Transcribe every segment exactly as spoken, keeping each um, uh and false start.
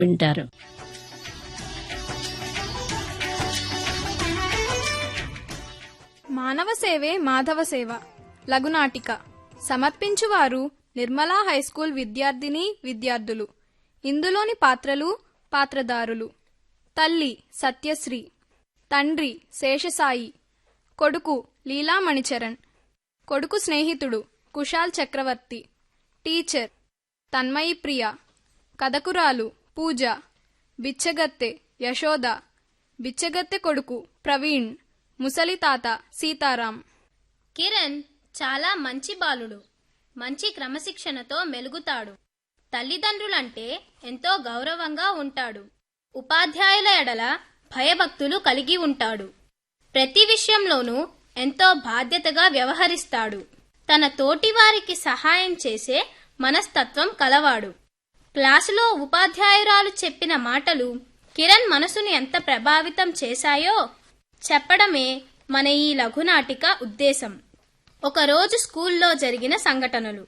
వింటారు. మానవ సేవే మాధవ సేవ లఘునాటిక సమర్పించువారు నిర్మలా హైస్కూల్ విద్యార్థిని విద్యార్థులు. ఇందులోని పాత్రలు పాత్రధారులు: తల్లి సత్యశ్రీ, తండ్రి శేషసాయి, కొడుకు లీలామణిచరణ్, కొడుకు స్నేహితుడు కుశాల్ చక్రవర్తి, టీచర్ తన్మయి ప్రియ, కథకురాలు పూజ, బిచ్చగత్తె యశోద, బిచ్చగత్తె కొడుకు ప్రవీణ్, ముసలి తాత సీతారాం. కిరణ్ చాలా మంచి బాలుడు. మంచి క్రమశిక్షణతో మెలుగుతాడు. తల్లిదండ్రులంటే ఎంతో గౌరవంగా ఉంటాడు. ఉపాధ్యాయుల ఎడల భయభక్తులు కలిగి ఉంటాడు. ప్రతి విషయంలోనూ ఎంతో బాధ్యతగా వ్యవహరిస్తాడు. తన తోటివారికి సహాయం చేసే మనస్తత్వం కలవాడు. క్లాసులో ఉపాధ్యాయురాలు చెప్పిన మాటలు కిరణ్ మనసును ఎంత ప్రభావితం చేశాయో చెప్పడమే మన ఈ లఘునాటిక ఉద్దేశం. ఒకరోజు స్కూల్లో జరిగిన సంఘటనలు.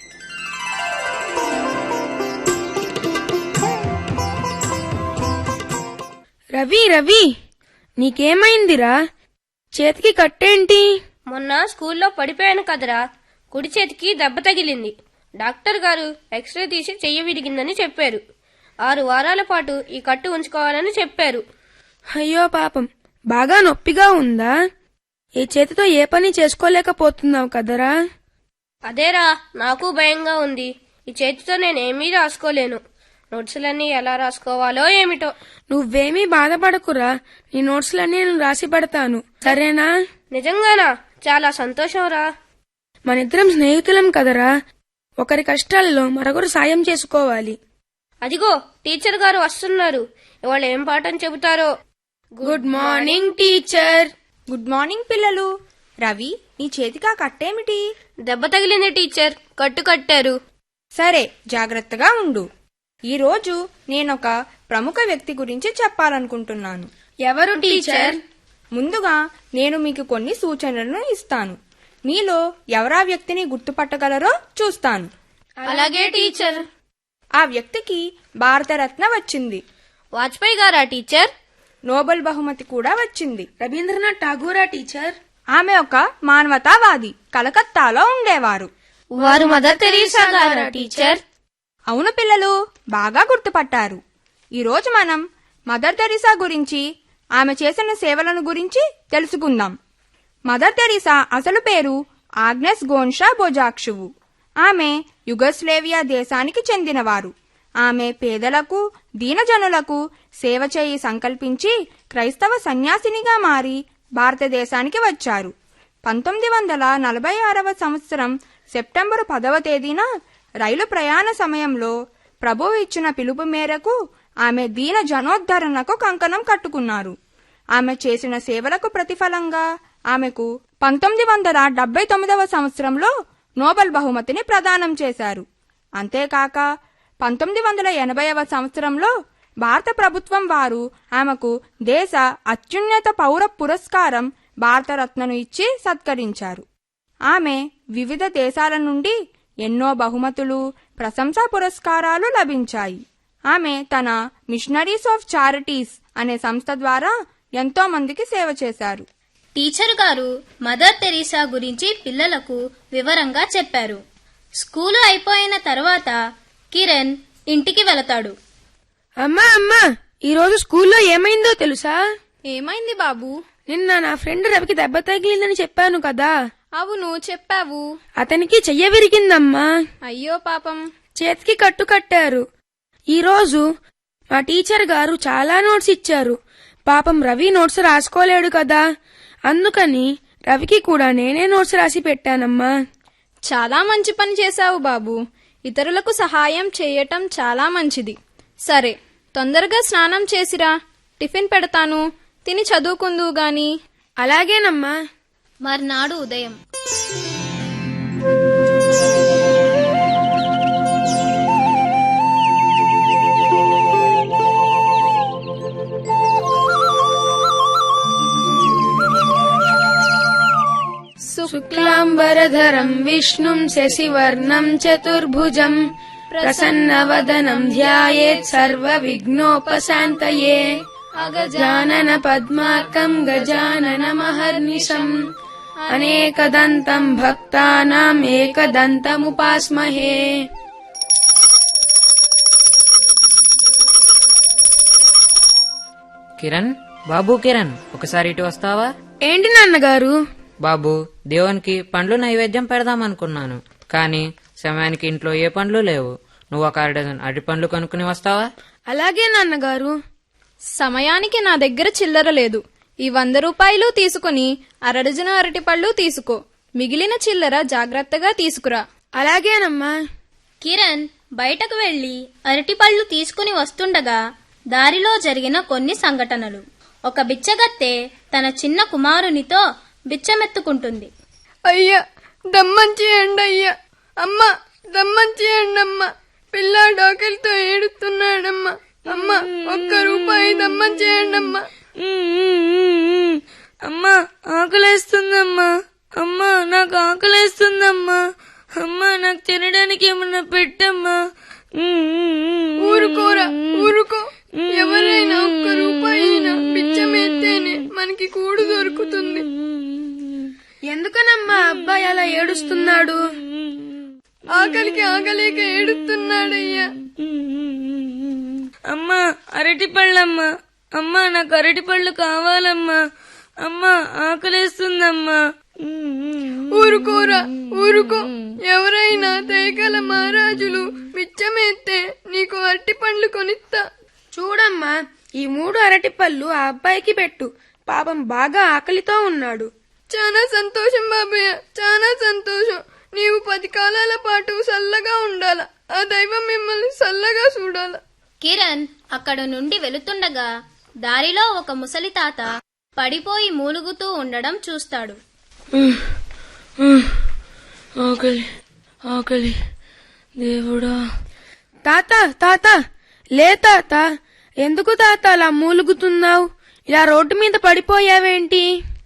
రవి రవి నీకేమైందిరా? చేతికి కట్టేంటి? మొన్న స్కూల్లో పడిపోయాను కదరా, కుడి చేతికి దెబ్బ తగిలింది. డాక్టర్ గారు ఎక్స్రే తీసి చెయ్యి విరిగిందని చెప్పారు. ఆరు వారాల పాటు ఈ కట్టు ఉంచుకోవాలని చెప్పారు. అయ్యో పాపం, బాగా నొప్పిగా ఉందా? ఈ చేతితో ఏ పని చేసుకోలేకపోతున్నావు కదరా? అదేరా నాకు భయంగా ఉంది. ఈ చేతితో నేనేమీ రాసుకోలేను. నోట్సులన్నీ ఎలా రాసుకోవాలో ఏమిటో. నువ్వేమీ బాధపడకురా, నీ నోట్స్లన్నీ నేను రాసి పెడతాను, సరేనా? నిజంగానా? చాలా సంతోషం రా. మనిద్దరం స్నేహితులం కదరా, ఒకరి కష్టాల్లో మరొకరు సాయం చేసుకోవాలి. అదిగో టీచర్ గారు వస్తున్నారు. ఇవాళ ఏం పాఠం చెబుతారో. Good morning teacher. Good morning పిల్లలు. రవి, నీ చేతికా కట్టేమిటి? దెబ్బ తగిలింది టీచర్, కట్టు కట్టారు. సరే, జాగ్రత్తగా ఉండు. ఈరోజు నేనొక ప్రముఖ వ్యక్తి గురించి చెప్పాలనుకుంటున్నాను. ఎవరు టీచర్? ముందుగా నేను మీకు కొన్ని సూచనలను ఇస్తాను. మీలో ఎవరా వ్యక్తిని గుర్తుపట్టగలరో చూస్తాను. అలాగే టీచర్. ఆ వ్యక్తికి భారతరత్న వచ్చింది. వాజ్పేయి గారా టీచర్? నోబెల్ బహుమతి కూడా వచ్చింది. రవీంద్రనాథ్ ఠాగూరా టీచర్? ఆమె ఒక మానవతావాది. కలకత్తాలో ఉండేవారు. వారు మదర్ తెరీసా గారా టీచర్? అవును పిల్లలు, బాగా గుర్తుపట్టారు. ఈరోజు మనం మదర్ తెరీసా గురించి, ఆమె చేసిన సేవలను గురించి తెలుసుకుందాం. మదర్ తెరీసా అసలు పేరు ఆగ్నెస్ గోన్షా బొజాక్షువు. ఆమె యుగోస్లేవియా దేశానికి చెందినవారు. ఆమె పేదలకు, దీనజనులకు సేవ చేయి సంకల్పించి క్రైస్తవ సన్యాసినిగా మారి భారతదేశానికి వచ్చారు. పంతొమ్మిది వందల నలభై ఆరవ సంవత్సరం సెప్టెంబరు పదవ తేదీన రైలు ప్రయాణ సమయంలో ప్రభువు ఇచ్చిన పిలుపు మేరకు ఆమె దీన జనోద్ధరణకు కంకణం కట్టుకున్నారు. ఆమె చేసిన సేవలకు ప్రతిఫలంగా ఆమెకు పంతొమ్మిది వందల డెబ్బై తొమ్మిదవ సంవత్సరంలో నోబెల్ బహుమతిని ప్రదానం చేశారు. అంతేకాక పంతొమ్మిది వందల ఎనభైవ సంవత్సరంలో భారత ప్రభుత్వం వారు ఆమెకు దేశ అత్యున్నత పౌర పురస్కారం భారతరత్నను ఇచ్చి సత్కరించారు. ఆమె వివిధ దేశాల నుండి ఎన్నో బహుమతులు, ప్రశంసా పురస్కారాలు లభించాయి. ఆమె తన మిషనరీస్ ఆఫ్ చారిటీస్ అనే సంస్థ ద్వారా ఎంతో మందికి సేవ చేశారు. టీచర్ గారు మదర్ తెరీసా గురించి పిల్లలకు వివరంగా చెప్పారు. స్కూలు అయిపోయిన తర్వాత కిరణ్ ఇంటికి వెళతాడు. అమ్మా అమ్మా, ఈరోజు స్కూల్లో ఏమైందో తెలుసా? ఏమైంది బాబు? నిన్న నా ఫ్రెండ్ రవికి దెబ్బ తగిలిందని చెప్పాను కదా. అవును, చెప్పావు. అతనికి చెయ్య విరిగిందమ్మా. అయ్యో పాపం. చేతికి కట్టు కట్టారు. ఈరోజు మా టీచర్ గారు చాలా నోట్స్ ఇచ్చారు. పాపం రవి నోట్స్ రాసుకోలేడు కదా, అందుకని రవికి కూడా నేనే నోట్స్ రాసి పెట్టానమ్మా. చాలా మంచి పని చేశావు బాబు. ఇతరులకు సహాయం చేయటం చాలా మంచిది. సరే, తొందరగా స్నానం చేసిరా, టిఫిన్ పెడతాను, తిని చదువుకుందువు గాని. అలాగేనమ్మా. మర్నాడు ఉదయం. శుక్లాంబరధరం విష్ణుం శశివర్ణం చతుర్భుజం ప్రసన్నవదనం ధ్యాయేత్ సర్వ విఘ్నోపశాంతయే అగజానన పద్మార్కం గజానన మహర్నిశం అనేకదంతం భక్తానాం ఏకదంతముపాస్మహే. కిరణ్, బాబు కిరణ్, ఒకసారి ఇటు వస్తావా? ఏంటి నాన్నగారు? బాబు, దేవునికి పండ్లు నైవేద్యం పెడదామనుకున్నాను, కానీ సమయానికి ఇంట్లో ఏ పండ్లు లేవు. నువ్వు ఒక అర డజన్ అరటి పండ్లు కొనుక్కుని వస్తావా? అలాగే నాన్నగారు. సమయానికి నా దగ్గర చిల్లర లేదు. ఈ వంద రూపాయలు తీసుకుని అరడజన అరటిపళ్ళు తీసుకో. మిగిలిన చిల్లర జాగ్రత్తగా తీసుకురా. అలాగేనమ్మా. కిరణ్ బయటకు వెళ్లి అరటిపళ్ళు తీసుకుని వస్తుండగా దారిలో జరిగిన కొన్ని సంఘటనలు. ఒక బిచ్చగత్తె తన చిన్న కుమారునితో బిచ్చమెత్తుకుంటుంది. అయ్యా, దమ్మం చేయండి అయ్యా. అమ్మా, దమ్మం చేయండి అమ్మా. పిల్లాడు ఆకలితో ఏడుస్తున్నాడమ్మా. అమ్మా, ఒక్క రూపాయి దమ్మం చేయండి అమ్మా. అమ్మా, ఆకలేస్తుందమ్మా. అమ్మా, నాకు ఆకలేస్తుందమ్మా. అమ్మా, నాకు తినడానికి ఏమన్నా పెట్టమ్మా. ఊరుకోరా, ఊరుకో. ఎవరైనా ఒక్క రూపాయి అయినా బిచ్చమెత్తేనే మనకి కూడు దొరుకుతుంది. ఎందుకనమ్మా అబ్బాయి అలా ఏడుస్తున్నాడు? ఆకలికి ఆగలేక ఏడుస్తున్నాడయ్యా. అమ్మా, అరటి పళ్ళమ్మా. అమ్మా, నాకు అరటి పళ్ళు కావాలమ్మా. అమ్మా, ఆకలేస్తుందమ్మా. ఊరుకోరా, ఊరుకో. ఎవరైనా దయగల మహారాజులు బిచ్చమెత్తే నీకు అరటి పండ్లు కొనిస్తా. చూడమ్మా, ఈ మూడు అరటి పళ్ళు ఆ అబ్బాయికి పెట్టు. పాపం బాగా ఆకలితో ఉన్నాడు. చాలా సంతోషం బాబయ్య, చాలా సంతోషం. నీవు పది కాలాల పాటు చల్లగా ఉండాల. ఆ దైవం మిమ్మల్ని చల్లగా చూడాల. కిరణ్ అక్కడ నుండి వెళుతుండగా దారిలో ఒక ముసలి తాత పడిపోయి మూలుగుతూ ఉండడం చూస్తాడు. ఆకలి, ఆకలి, దేవుడా. తాత, తాత, లే తాత. ఎందుకు తాత అలా మూలుగుతున్నావు? ఇలా రోడ్డు మీద పడిపోయావేంటి?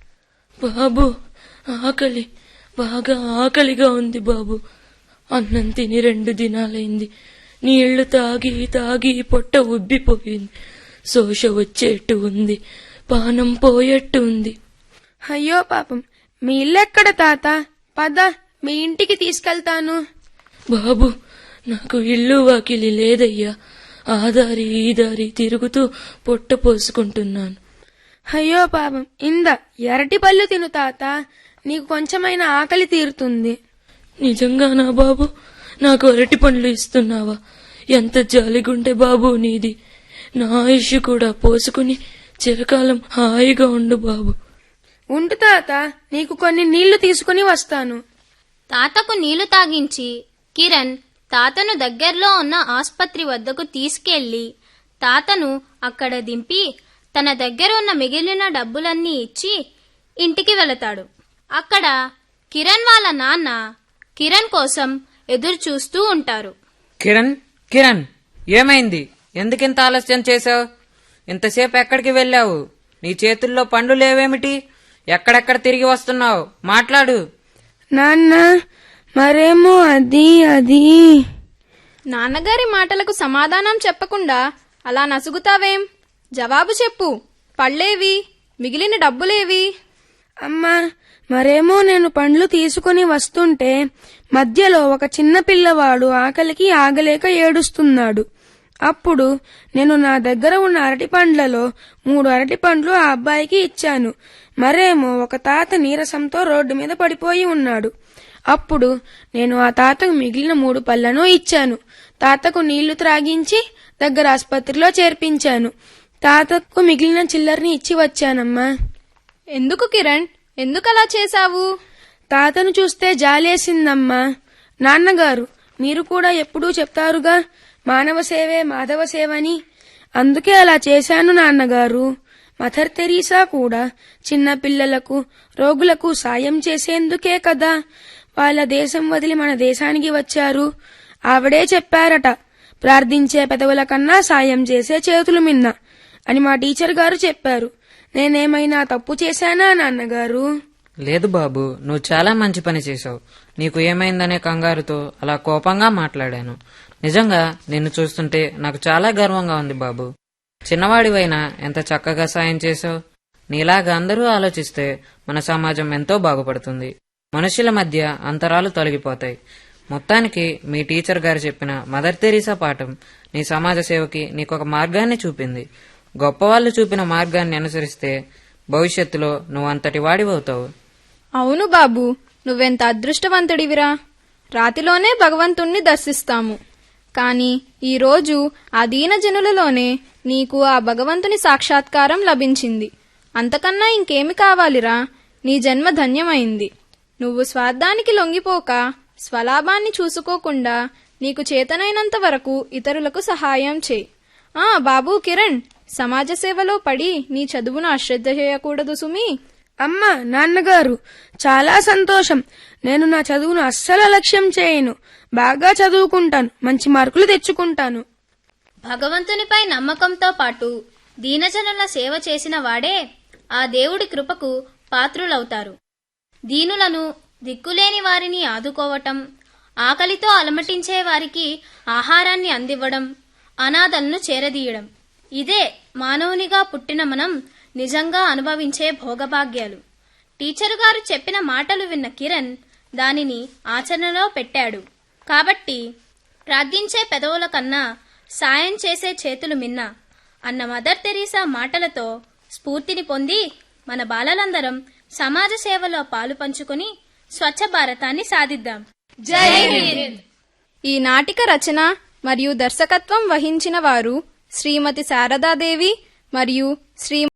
బాబు, ఆకలి, బాగా ఆకలిగా ఉంది బాబు. అన్నం తిని రెండు దినాలైంది. నీళ్లు తాగి తాగి పొట్ట ఉబ్బిపోయింది. శోష వచ్చేట్టు ఉంది, పానం పోయేట్టు ఉంది. అయ్యో పాపం. మీ ఇల్లెక్కడ తాత? పద, మీ ఇంటికి తీసుకెళ్తాను. బాబు, నాకు ఇల్లు వాకిలి లేదయ్యా. ఆ దారి ఈ దారి తిరుగుతూ పొట్ట పోసుకుంటున్నాను. అయ్యో పాపం. ఇంద ఎరటి పళ్ళు తిను తాత, నీకు కొంచెమైనా ఆకలి తీరుతుంది. నిజంగానా బాబు? నాకు అరటి పండ్లు ఇస్తున్నావా? ఎంత జాలిగుంటే బాబు నీది. నా ఆయుష్ కూడా పోసుకుని చిరకాలం హాయిగా ఉండు బాబు. ఉంటు తాత, నీకు కొన్ని నీళ్లు తీసుకుని వస్తాను. తాతకు నీళ్లు తాగించి కిరణ్ తాతను దగ్గర్లో ఉన్న ఆస్పత్రి వద్దకు తీసుకెళ్లి తాతను అక్కడ దింపి తన దగ్గర ఉన్న మిగిలిన డబ్బులన్నీ ఇచ్చి ఇంటికి వెళతాడు. అక్కడ కిరణ్ వాళ్ళ నాన్న కిరణ్ కోసం ఎదురు చూస్తూ ఉంటారు. కిరణ్, కిరణ్, ఏమైంది? ఎందుకింత ఆలస్యం చేశావు? ఇంతసేపు ఎక్కడికి వెళ్ళావు? నీ చేతుల్లో పండ్లు లేవేమిటి? ఎక్కడెక్కడ తిరిగి వస్తున్నావు? మాట్లాడు. నాన్న, మరేమో అది అది నాన్నగారి మాటలకు సమాధానం చెప్పకుండా అలా నసుగుతావేం? జవాబు చెప్పు. పళ్ళేవి? మిగిలిన డబ్బులేవి? అమ్మా, మరేమో నేను పండ్లు తీసుకుని వస్తుంటే మధ్యలో ఒక చిన్న పిల్లవాడు ఆకలికి ఆగలేక ఏడుస్తున్నాడు. అప్పుడు నేను నా దగ్గర ఉన్న అరటి పండ్లలో మూడు అరటి పండ్లు ఆ అబ్బాయికి ఇచ్చాను. మరేమో ఒక తాత నీరసంతో రోడ్డు మీద పడిపోయి ఉన్నాడు. అప్పుడు నేను ఆ తాతకు మిగిలిన మూడు పళ్లను ఇచ్చాను. తాతకు నీళ్లు త్రాగించి దగ్గర ఆసుపత్రిలో చేర్పించాను. తాతకు మిగిలిన చిల్లర్ని ఇచ్చి వచ్చానమ్మా. ఎందుకు కిరణ్, ఎందుకలా చేశావు? తాతను చూస్తే జాలేసిందమ్మా. నాన్నగారు, మీరు కూడా ఎప్పుడూ చెప్తారుగా, మానవ సేవే మాధవ సేవని. అందుకే అలా చేశాను నాన్నగారు. మదర్ తెరీసా కూడా చిన్న పిల్లలకు, రోగులకు సాయం చేసేందుకే కదా వాళ్ళ దేశం వదిలి మన దేశానికి వచ్చారు. ఆవిడే చెప్పారట, ప్రార్థించే పెదవుల కన్నా సాయం చేసే చేతులు మిన్న అని మా టీచర్ గారు చెప్పారు. నేనేమైనా తప్పు చేశానా నాన్నగారు? లేదు బాబు, నువ్వు చాలా మంచి పని చేశావు. నీకు ఏమైందనే కంగారుతో అలా కోపంగా మాట్లాడాను. నిజంగా నిన్ను చూస్తుంటే నాకు చాలా గర్వంగా ఉంది బాబు. చిన్నవాడివైనా ఎంత చక్కగా సాయం చేశావు. నీలాగా అందరూ ఆలోచిస్తే మన సమాజం ఎంతో బాగుపడుతుంది. మనుషుల మధ్య అంతరాలు తొలగిపోతాయి. మొత్తానికి మీ టీచర్ గారు చెప్పిన మదర్ తెరీసా పాఠం నీ సమాజ సేవకి నీకొక మార్గాన్ని చూపింది. గొప్పవాళ్లు చూపిన మార్గాన్ని అనుసరిస్తే భవిష్యత్తులో నువ్వంతటి వాడివవుతావు. అవును బాబు, నువ్వెంత అదృష్టవంతుడివిరా. రాతిలోనే భగవంతుణ్ణి దర్శిస్తాము, కాని ఈరోజు ఆ దీనజనులలోనే నీకు ఆ భగవంతుని సాక్షాత్కారం లభించింది. అంతకన్నా ఇంకేమి కావాలిరా? నీ జన్మ ధన్యమైంది. నువ్వు స్వార్థానికి లొంగిపోక, స్వలాభాన్ని చూసుకోకుండా నీకు చేతనైనంత వరకు ఇతరులకు సహాయం చేయి. ఆ బాబూ కిరణ్, సమాజ సేవలో పడి నీ చదువును అశ్రద్ధ చేయకూడదు సుమీ. అమ్మా, నాన్నగారు, చాలా సంతోషం. నేను నా చదువును అస్సలు అలక్ష్యం చేయను. బాగా చదువుకుంటాను, మంచి మార్కులు తెచ్చుకుంటాను. భగవంతునిపై నమ్మకంతో పాటు దీనజనుల సేవ చేసిన వాడే ఆ దేవుడి కృపకు పాత్రులవుతారు. దీనులను, దిక్కులేని వారిని ఆదుకోవటం, ఆకలితో అలమటించే వారికి ఆహారాన్ని అందివ్వడం, అనాథలను చేరదీయడం, ఇదే మానవునిగా పుట్టిన మనం నిజంగా అనుభవించే భోగభాగ్యాలు. టీచరు గారు చెప్పిన మాటలు విన్న కిరణ్ దానిని ఆచరణలో పెట్టాడు. కాబట్టి ప్రార్థించే పెదవుల కన్నా సాయం చేసే చేతులు మిన్న అన్న మదర్ తెరీసా మాటలతో స్ఫూర్తిని పొంది మన బాలలందరం సమాజ సేవలో పాలు పంచుకుని స్వచ్ఛ భారతాన్ని సాధిద్దాం. జై హింద్. ఈ నాటిక రచన మరియు దర్శకత్వం వహించిన వారు శ్రీమతి శారదాదేవి మరియు శ్రీ